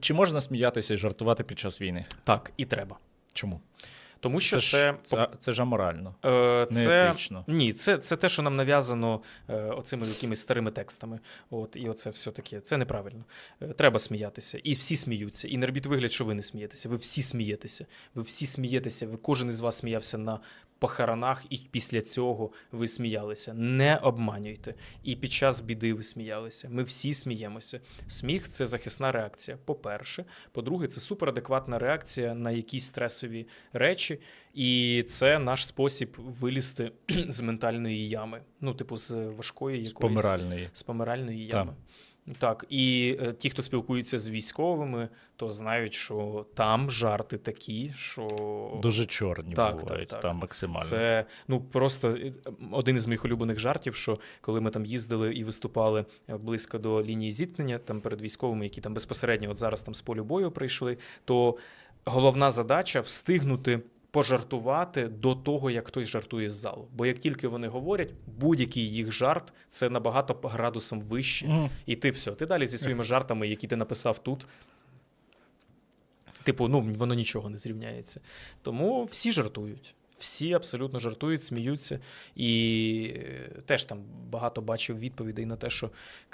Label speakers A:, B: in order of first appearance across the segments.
A: Чи можна сміятися і жартувати під час війни?
B: Так, і треба.
A: Чому?
B: Тому що
A: Це ж аморально,
B: неетично. Ні, це те, що нам нав'язано оцими якимись старими текстами. І оце все таке. Це неправильно. Треба сміятися. І всі сміються. І не робіть вигляд, що ви не смієтеся. Ви всі смієтеся. Ви всі смієтеся. Кожен із вас сміявся на похоронах, і після цього ви сміялися. Не обманюйте. І під час біди ви сміялися. Ми всі сміємося. Сміх – це захисна реакція, по-перше. По-друге, це суперадекватна реакція на якісь стресові речі. І це наш спосіб вилізти з ментальної ями. З важкої якоїсь... З помиральної ями. Так, і ті, хто спілкуються з військовими, то знають, що там жарти такі, що...
A: Дуже чорні бувають, там максимально.
B: Це, просто один із моїх улюблених жартів, що коли ми там їздили і виступали близько до лінії зіткнення, там перед військовими, які там безпосередньо от зараз там з полю бою прийшли, то головна задача – встигнути пожартувати до того, як хтось жартує з залу. Бо як тільки вони говорять, будь-який їх жарт – це набагато градусом вище. І ти все, ти далі зі своїми жартами, які ти написав тут, воно нічого не зрівняється. Тому всі жартують. Всі абсолютно жартують, сміються. І теж там багато бачив відповідей на те, що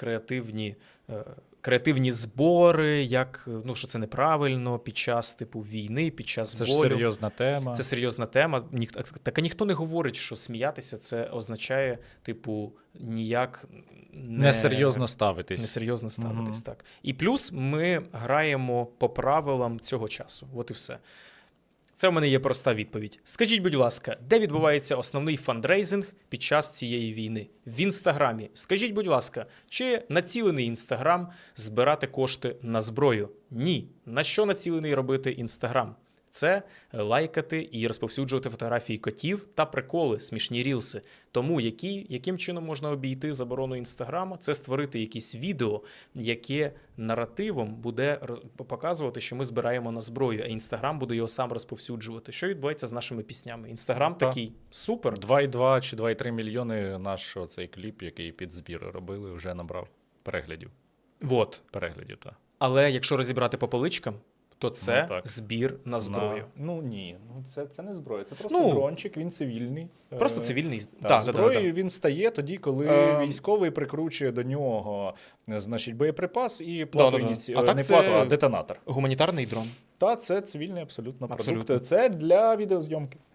B: креативні збори, що це неправильно під час війни, під час болю.
A: Це ж серйозна тема.
B: Це серйозна тема. Так, а ніхто не говорить, що сміятися це означає, ніяк
A: несерйозно ставитись.
B: Несерйозно ставитись, так. І плюс ми граємо по правилам цього часу. От і все. Це в мене є проста відповідь. Скажіть, будь ласка, де відбувається основний фандрейзинг під час цієї війни? В Інстаграмі. Скажіть, будь ласка, чи націлений Інстаграм збирати кошти на зброю? Ні. На що націлений робити Інстаграм? Це лайкати і розповсюджувати фотографії котів та приколи, смішні рілси. Тому яким чином можна обійти заборону Інстаграма? Це створити якесь відео, яке наративом буде показувати, що ми збираємо на зброю, а Інстаграм буде його сам розповсюджувати. Що відбувається з нашими піснями? Інстаграм такий супер.
A: 2,2 чи 2,3 мільйони наш цей кліп, який під збір робили, вже набрав переглядів. Переглядів, так.
B: Але якщо розібрати по поличкам, то це збір на зброю.
A: Ні, це не зброя, це просто дрончик, він цивільний.
B: Просто цивільний.
A: Зброєю він стає тоді, коли військовий прикручує до нього, боєприпас і плату, детонатор.
B: Гуманітарний дрон.
A: Це цивільний абсолютно продукт. Це для відеозйомки.